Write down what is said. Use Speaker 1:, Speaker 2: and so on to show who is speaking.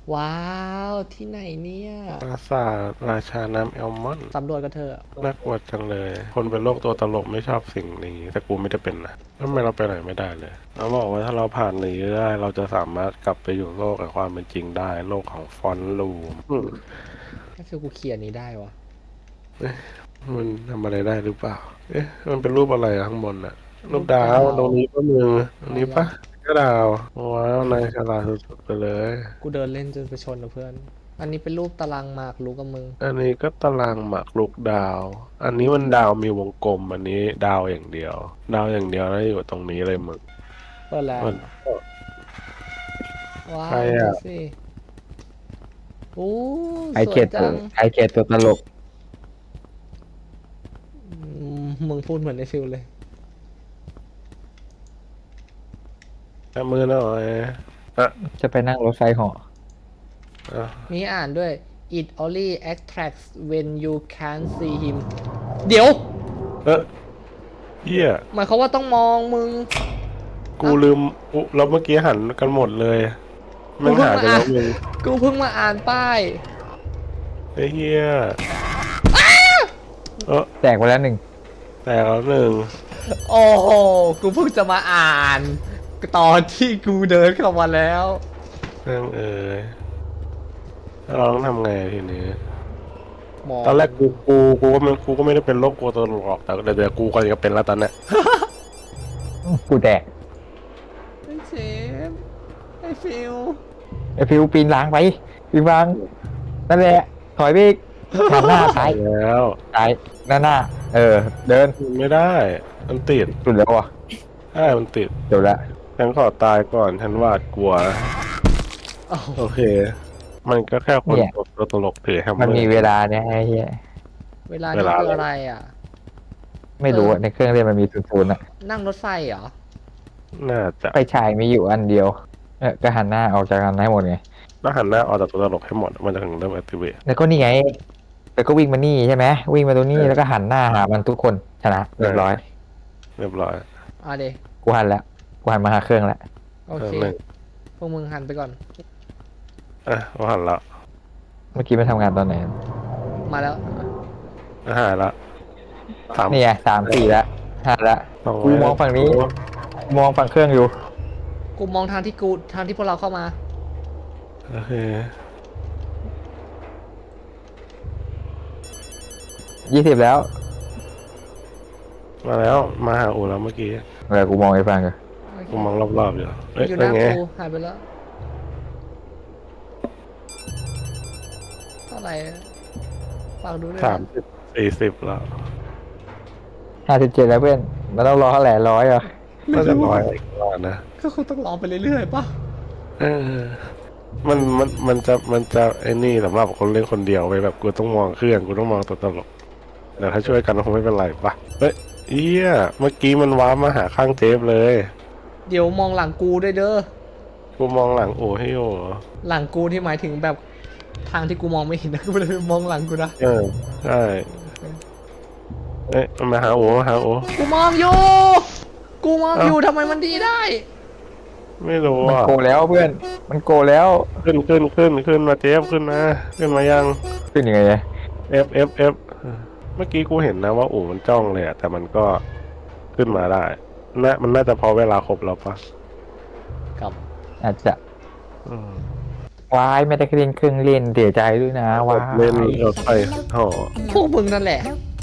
Speaker 1: ว้าวที่ไหนเนี่ย
Speaker 2: ปราสาทราชาน้ำแอลมอนด์
Speaker 1: สำรวจกันเถอะ
Speaker 2: น่ากลัวจังเลย คนเป็นโรคตัวตลกไม่ชอบสิ่งนี้ แต่กูไม่ได้เป็นนะทำไมเราไปไหนไม่ได้เลยเราบอกว่าถ้าเราผ่านนี้ได้เราจะสามารถกลับไปอยู่โลกแห่งความเป็นจริงได้ โลกของฟอนต์รูม
Speaker 1: ก็คือกูเขียนนี้ได้วะ
Speaker 2: มันทำอะไรได้หรือเปล่า เอ๊ะมันเป็นรูปอะไรอะข้างบนอะรูปดาวตรงนี้ก็มือตรงนี้ปะก็ดาวว้าวนายฉลาดสุดๆไปเลย
Speaker 1: กูเดินเล่นจนไปชนนะเพื่อนอันนี้เป็นรูปตารางหมากรู้กับมึง
Speaker 2: อันนี้ก็ตารางหมากรุกดาว อันนี้มันดาวมีวงกลม อันนี้ดาวอย่างเดียว ดาวอย่างเดียวแล้วอยู่ตรงนี้เลยมึง
Speaker 1: เปิดแล้ว
Speaker 2: มัน
Speaker 1: ว้า
Speaker 2: ใคร
Speaker 1: วดู
Speaker 2: อ่ะ
Speaker 1: สิโอ้
Speaker 3: ไอ
Speaker 1: ส
Speaker 3: เกตตัว
Speaker 1: วยจัง
Speaker 3: ไอเกตตัวตลก
Speaker 1: มึงพูดเหมือนในฟิลเลย
Speaker 2: จับมือหน่อยอ่ะ
Speaker 3: จะไปนั่งรถไฟเหาะ
Speaker 2: อ่ะ
Speaker 1: มีอ่านด้วย it only attracts when you can't see him เดี๋ยว
Speaker 2: เออเหี้ย
Speaker 1: หมายความว่าต้องมองมึง
Speaker 2: กูลืมอุแล้วเมื่อกี้หันกันหมดเลยมันหายไปแล้วมึง
Speaker 1: กูเพิ่งมาอ่านป้าย
Speaker 2: ไอ้เหี้ยเออ
Speaker 3: แตกไปแล้วหนึ่ง
Speaker 2: แต่แล้วหนึ่ง
Speaker 1: โอ้โห กูเพิ่งจะมาอ่านตอนที่กูเดินเข้ามาแล้ว
Speaker 2: เรื่องแล้วเราต้องทำไงทีนี้
Speaker 1: มอง
Speaker 2: ตอนแรกกูก็ไม่ได้เป็นโรคกลัวตัวหรอกแต่เดี๋ยวกูก็จะเป็นแล้วตอนเนี้ย
Speaker 3: กูแตก
Speaker 1: ไอ้เชฟไอ้ฟิล
Speaker 3: ไอฟิวปีนหล้างไปปีนหล้างนั่นแหละถอยไปอีกหันหน้าซ้าย
Speaker 2: แล้ว
Speaker 3: ซ้ายหน้าเดิน
Speaker 2: ไม่ได้มันติด
Speaker 3: สุดแล้วอ่ะ
Speaker 2: ใช่มันติด
Speaker 3: เดี๋ยวละ
Speaker 2: ฉันขอตายก่อนฉันหวาดกลัว
Speaker 1: โอ้โห
Speaker 2: โอเค มันก็แค่คนตัวตลกถือแฮมเมอ
Speaker 3: มัน
Speaker 2: ร์
Speaker 3: มีเวลาเนี่ยไอ้เหี้ย
Speaker 1: เวลานี่คืออะไรอ่ะ
Speaker 3: ไม่รู้อะในเครื่องเล่นมันมีศูนย์อะ
Speaker 1: นั่งรถไฟเหรอ
Speaker 2: น่าจะ
Speaker 3: ไฟฉายมีอยู่อันเดียวก็หันหน้าออกจากกันให้หมดไง
Speaker 2: ต้องหันหน้าออกจากตัวตลกให้หมดมันจะถึงเริ่ม activate
Speaker 3: แล้วก็นี่ไงแล้วก็วิ่งมานี่ใช่ไหมวิ่งมาตรงนี้แล้วก็หันหน้าหามันทุกคนชนะเรียบร้อย
Speaker 2: เรียบร้อย
Speaker 1: อ่ะเด
Speaker 3: กูหันแล้วกูหันมาหาเครื่องแล้ว
Speaker 1: โอเค
Speaker 2: หนึ่ง
Speaker 1: พวกมึงหันไปก่อน
Speaker 2: เราหันละ
Speaker 3: เมื่อกี้ไปทำงานตอนไหน
Speaker 1: มาแล้ว
Speaker 2: หายละถาม
Speaker 3: นี่ไง3-4แล้ว5แล้ว
Speaker 2: สร้ย
Speaker 3: กูมองฝั่งนี้ มองฝั่งเครื่องอยู่
Speaker 1: กูมองทางที่พวกเราเข้ามา
Speaker 2: โอเค
Speaker 3: 20แล้ว
Speaker 2: มาแล้วมาหาอูแล้วเมื่อกี้
Speaker 3: กูมองไอ้ฟังกัน
Speaker 2: กูมองรอบๆอยู่เฮ้ย
Speaker 1: อยู่ห
Speaker 2: เป็น
Speaker 1: น้า
Speaker 2: ไง
Speaker 1: กูหายไปแล้วเท่าไหร่ฝากดูด้วยนะ
Speaker 2: 30 40แล้ว
Speaker 3: 57แล้วเพื่อนมันต้องรอเท่าไหร่100อ่ะ
Speaker 2: น่าจะร้อยอีกว่านะ
Speaker 1: ก็คงต้องรอไปเรื่อยๆป่ะ
Speaker 2: เออมันจะไอ้นี่สำหรับคนเล่นคนเดียวไปแบบกูต้องมองเครื่องกูต้องมองตัวตลกแต่ถ้าช่วยกันคงไม่เป็นไรปะเฮ้ยเอี้ยเมื่อกี้มันว้าร์ปมาหาข้างเจฟเลย
Speaker 1: เดี๋ยวมองหลังกูด้วยเด้อ
Speaker 2: กูมองหลังโอ้ให้โอ
Speaker 1: หลังกูที่หมายถึงแบบทางที่กูมองไม่เห็นนะกูเลยมองหลังกูนะ
Speaker 2: ใช่เอ้ยมันมาหาโอมาหาโอ
Speaker 1: กูมองอยู่ กูมองอยู่ทำไมมันดีได้
Speaker 2: ไม่รู้
Speaker 3: มัน
Speaker 2: อ่ะ
Speaker 3: โกแล้วเพื่อนมันโกแล้ว
Speaker 2: ขึ้นมาเจฟขึ้นมายัง
Speaker 3: ขึ้นยังไงเนี่ย
Speaker 2: F เมื่อกี้กูเห็นนะว่าโอ้มันจ้องเลยอะแต่มันก็ขึ้นมาได้มันน่าจะพอเวลาครบแล้วปะ
Speaker 1: กับ
Speaker 3: อาจจะ
Speaker 2: อืม
Speaker 3: วายไม่ได้เล่นเครื่องเล่นเสียใจด้วยนะวาย
Speaker 2: เล่นรถไฟห่อ
Speaker 1: พวกมึงนั่นแหละ